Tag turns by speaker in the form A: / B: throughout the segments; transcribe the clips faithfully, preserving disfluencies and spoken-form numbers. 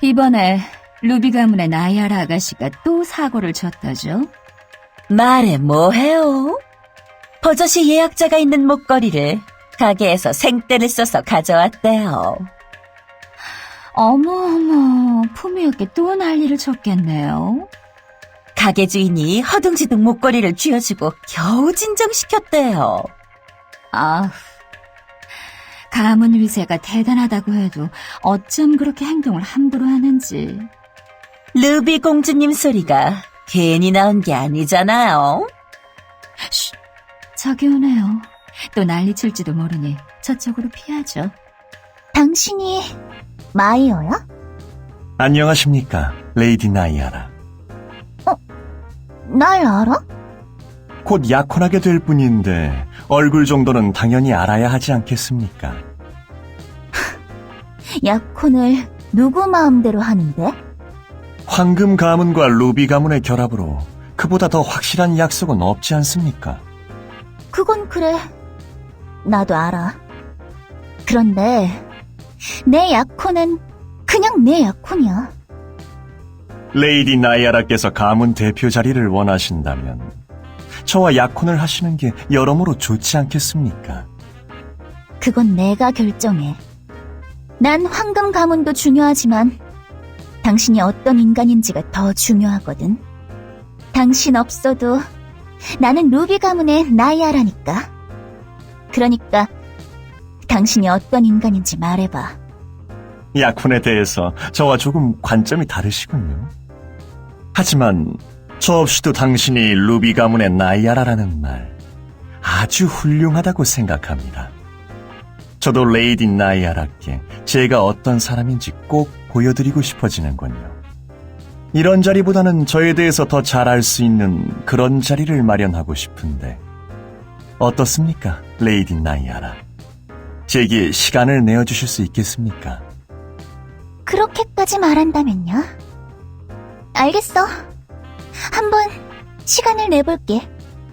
A: 이번에 루비 가문의 나이아라 아가씨가 또 사고를 쳤다죠?
B: 말해 뭐해요? 버젓이 예약자가 있는 목걸이를 가게에서 생떼를 써서 가져왔대요.
A: 어머어머, 품위없게 또 난리를 쳤겠네요.
B: 가게 주인이 허둥지둥 목걸이를 쥐어주고 겨우 진정시켰대요.
A: 아휴, 가문 위세가 대단하다고 해도 어쩜 그렇게 행동을 함부로 하는지.
B: 루비 공주님 소리가 괜히 나온 게 아니잖아요.
A: 쉿, 저기 오네요. 또 난리 칠지도 모르니 저쪽으로 피하죠.
C: 당신이 마이어야?
D: 안녕하십니까, 레이디 나이아라.
C: 날 알아?
D: 곧 약혼하게 될 뿐인데 얼굴 정도는 당연히 알아야 하지 않겠습니까?
C: 약혼을 누구 마음대로 하는데?
D: 황금 가문과 루비 가문의 결합으로 그보다 더 확실한 약속은 없지 않습니까?
C: 그건 그래. 나도 알아. 그런데 내 약혼은 그냥 내 약혼이야.
D: 레이디 나이아라께서 가문 대표 자리를 원하신다면 저와 약혼을 하시는 게 여러모로 좋지 않겠습니까?
C: 그건 내가 결정해. 난 황금 가문도 중요하지만 당신이 어떤 인간인지가 더 중요하거든. 당신 없어도 나는 루비 가문의 나이아라니까. 그러니까 당신이 어떤 인간인지 말해봐.
D: 약혼에 대해서 저와 조금 관점이 다르시군요. 하지만 저 없이도 당신이 루비 가문의 나이아라라는 말 아주 훌륭하다고 생각합니다. 저도 레이디 나이아라께 제가 어떤 사람인지 꼭 보여드리고 싶어지는군요. 이런 자리보다는 저에 대해서 더 잘 알 수 있는 그런 자리를 마련하고 싶은데 어떻습니까, 레이디 나이아라? 제게 시간을 내어주실 수 있겠습니까?
C: 그렇게까지 말한다면요? 알겠어. 한번 시간을 내볼게.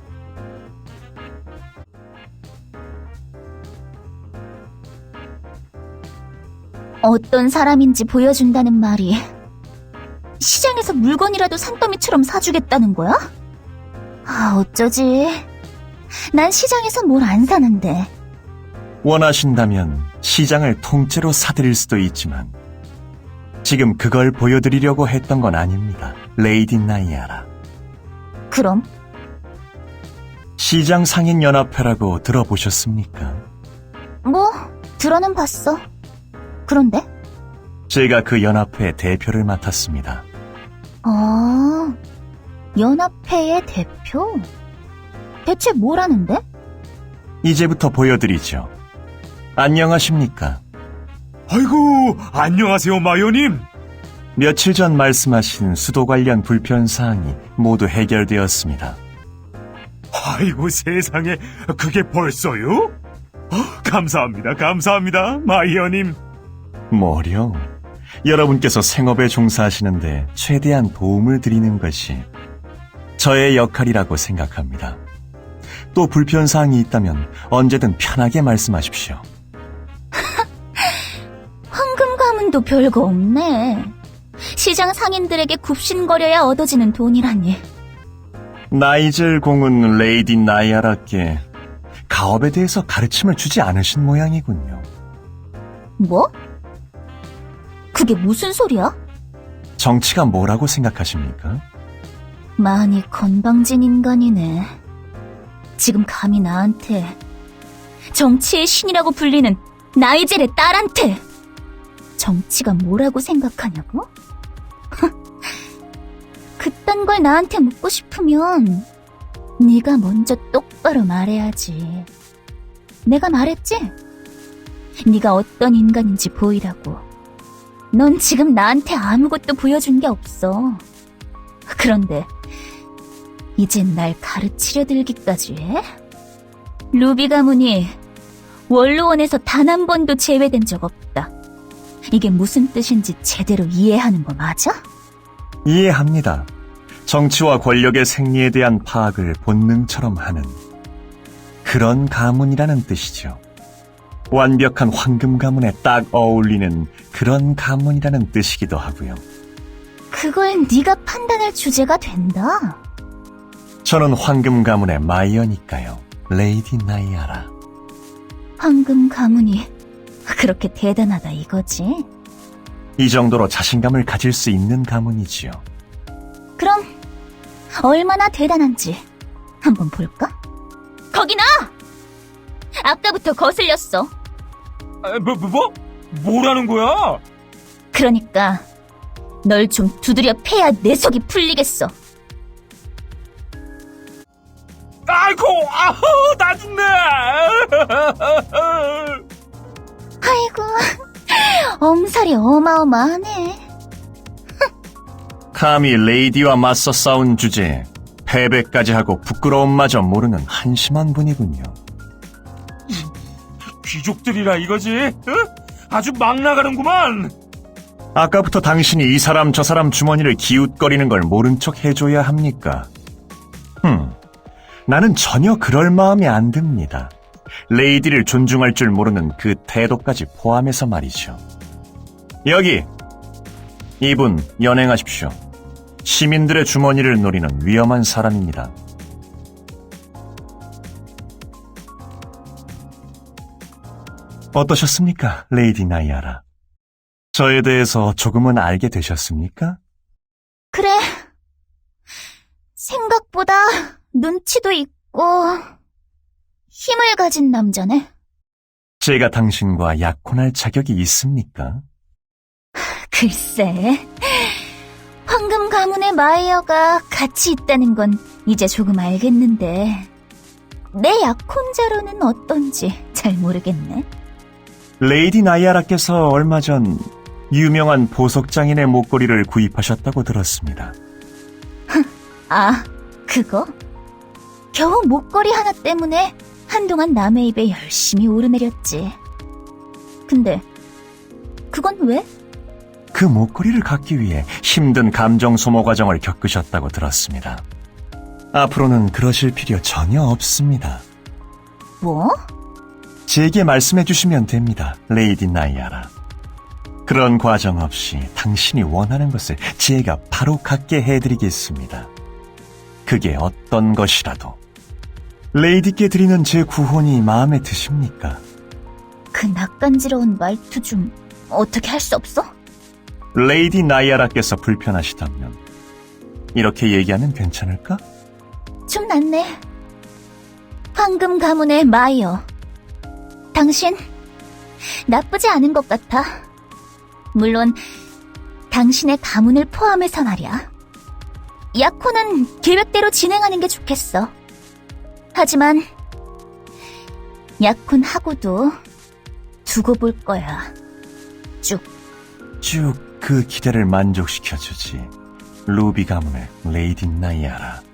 C: 어떤 사람인지 보여준다는 말이 시장에서 물건이라도 산더미처럼 사주겠다는 거야? 아, 어쩌지. 난 시장에서 뭘 안 사는데.
D: 원하신다면 시장을 통째로 사드릴 수도 있지만 지금 그걸 보여드리려고 했던 건 아닙니다, 레이디 나이아라.
C: 그럼?
D: 시장 상인연합회라고 들어보셨습니까?
C: 뭐, 들어는 봤어. 그런데?
D: 제가 그 연합회 대표를 맡았습니다.
C: 아, 연합회의 대표? 대체 뭘 하는데?
D: 이제부터 보여드리죠. 안녕하십니까?
E: 아이고, 안녕하세요, 마요님.
D: 며칠 전 말씀하신 수도 관련 불편사항이 모두 해결되었습니다.
E: 아이고, 세상에, 그게 벌써요? 어, 감사합니다, 감사합니다, 마이어님.
D: 뭐려? 여러분께서 생업에 종사하시는데 최대한 도움을 드리는 것이 저의 역할이라고 생각합니다. 또 불편사항이 있다면 언제든 편하게 말씀하십시오.
C: 황금 가문도 별거 없네. 시장 상인들에게 굽신거려야 얻어지는 돈이라니.
D: 나이젤 공은 레이디 나이아라께 가업에 대해서 가르침을 주지 않으신 모양이군요.
C: 뭐? 그게 무슨 소리야?
D: 정치가 뭐라고 생각하십니까?
C: 많이 건방진 인간이네. 지금 감히 나한테, 정치의 신이라고 불리는 나이젤의 딸한테 정치가 뭐라고 생각하냐고? 그딴 걸 나한테 묻고 싶으면 네가 먼저 똑바로 말해야지. 내가 말했지? 네가 어떤 인간인지 보이라고. 넌 지금 나한테 아무것도 보여준 게 없어. 그런데 이젠 날 가르치려 들기까지 해? 루비 가문이 원로원에서 단 한 번도 제외된 적 없다. 이게 무슨 뜻인지 제대로 이해하는 거 맞아?
D: 이해합니다. 정치와 권력의 생리에 대한 파악을 본능처럼 하는 그런 가문이라는 뜻이죠. 완벽한 황금 가문에 딱 어울리는 그런 가문이라는 뜻이기도 하고요.
C: 그걸 네가 판단할 주제가 된다.
D: 저는 황금 가문의 마이어니까요. 레이디 나이아라.
C: 황금 가문이 그렇게 대단하다 이거지?
D: 이 정도로 자신감을 가질 수 있는 가문이지요.
C: 그럼 얼마나 대단한지 한번 볼까? 거기 나! 아까부터 거슬렸어.
E: 뭐, 뭐, 뭐? 뭐라는 거야?
C: 그러니까 널 좀 두드려 패야 내 속이 풀리겠어.
E: 아이고, 아우, 나 죽네!
C: 아이고, 엄살이 어마어마하네.
D: 감히 레이디와 맞서 싸운 주제에 패배까지 하고 부끄러움마저 모르는 한심한 분이군요.
E: 귀족들이라 이거지? 어? 아주 막 나가는구만!
D: 아까부터 당신이 이 사람 저 사람 주머니를 기웃거리는 걸 모른 척 해줘야 합니까? 흠, 나는 전혀 그럴 마음이 안 듭니다. 레이디를 존중할 줄 모르는 그 태도까지 포함해서 말이죠. 여기! 이분 연행하십시오. 시민들의 주머니를 노리는 위험한 사람입니다. 어떠셨습니까, 레이디 나이아라? 저에 대해서 조금은 알게 되셨습니까?
C: 그래, 생각보다 눈치도 있고 힘을 가진 남자네.
D: 제가 당신과 약혼할 자격이 있습니까?
C: 글쎄, 황금 가문의 마이어가 같이 있다는 건 이제 조금 알겠는데 내 약혼자로는 어떤지 잘 모르겠네.
D: 레이디 나이아라께서 얼마 전 유명한 보석장인의 목걸이를 구입하셨다고 들었습니다.
C: 아, 그거? 겨우 목걸이 하나 때문에 한동안 남의 입에 열심히 오르내렸지. 근데 그건 왜?
D: 그 목걸이를 갖기 위해 힘든 감정 소모 과정을 겪으셨다고 들었습니다. 앞으로는 그러실 필요 전혀 없습니다.
C: 뭐?
D: 제게 말씀해 주시면 됩니다, 레이디 나이아라. 그런 과정 없이 당신이 원하는 것을 제가 바로 갖게 해드리겠습니다. 그게 어떤 것이라도. 레이디께 드리는 제 구혼이 마음에 드십니까?
C: 그 낯간지러운 말투 좀 어떻게 할 수 없어?
D: 레이디 나이아라께서 불편하시다면 이렇게 얘기하면 괜찮을까?
C: 좀 낫네. 황금 가문의 마이어. 당신 나쁘지 않은 것 같아. 물론 당신의 가문을 포함해서 말이야. 약혼은 계획대로 진행하는 게 좋겠어. 하지만 약혼하고도 두고 볼 거야. 쭉.
D: 쭉 그 기대를 만족시켜주지, 루비 가문의 레이디 나이아라.